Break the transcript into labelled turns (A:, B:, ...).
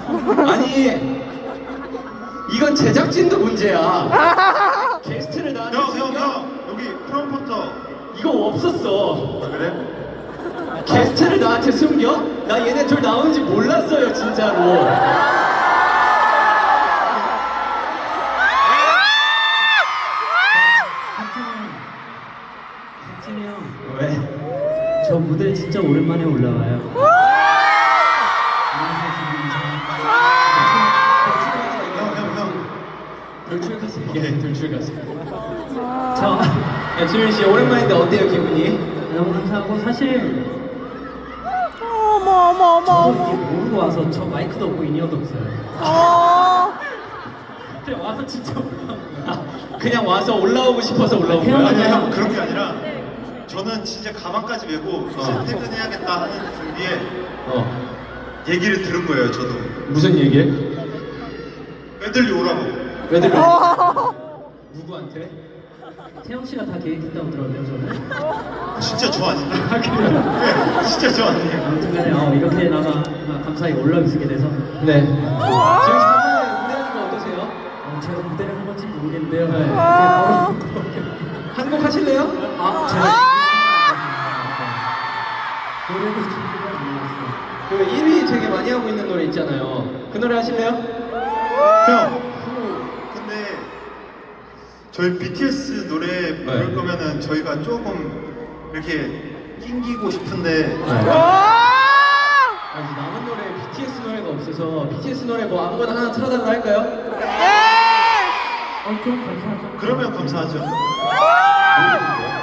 A: 아니 이건 제작진도 문제야. 게스트를 나한테
B: 형 여기 프롬포터.
A: 이거 없었어.
B: 아, 그래?
A: 게스트를 나한테 숨겨? 나 얘네 둘 나오는지 몰랐어요 진짜로.
C: 박진이 형,
A: 왜?
C: 저 무대 진짜 오랜만에 올라와요.
B: 형.
A: 돌출 가수 얘기해. 돌출 가수.
C: 저
A: 야 지민 씨 오랜만인데 어때요 기분이?
C: 너무 감사하고 사실
D: 어머
C: 저도 이게 모르고 와서 저 마이크도 없고 인이어도 없어요. 그냥 와서 진짜 올라온 거야.
A: 그냥 와서 올라오고 싶어서 올라온
C: 그냥
A: 거야?
B: 아니
C: 그냥-
B: 형 그런 게 아니라 저는 진짜 가방까지 메고 이제 퇴근해야겠다 하는 준비에 얘기를 들은 거예요. 저도
A: 무슨 얘기를?
B: 애들이 오라고.
A: 왜들 누구한테?
C: 태영 씨가 다 계획했다고 들었는데 저는.
B: 진짜 저 아닌데? 네, 진짜 저 아니에요.
C: 아무튼간에 이렇게나마 감사히 올라오게 돼서
A: 네. 지민 씨 한번에 무대하는 거 어떠세요?
C: 제가 무대를 한 건지 모르겠는데요.
A: 네. 한 곡 하실래요?
C: 제가 노래도 준비가 안 나왔어요.
A: 그 1위 되게 많이 하고 있는 노래 있잖아요. 그 노래 하실래요?
B: 형, 근데 저희 BTS 노래 부를
A: 네.
B: 거면은 저희가 조금 이렇게 낑기고 싶은데
A: 아니, 남은 노래 BTS 노래가 없어서 BTS 노래 뭐 아무거나 하나 틀어달라 할까요?
C: 그럼 감사하죠.
B: 그러면 감사하죠.
A: 모르겠는데요?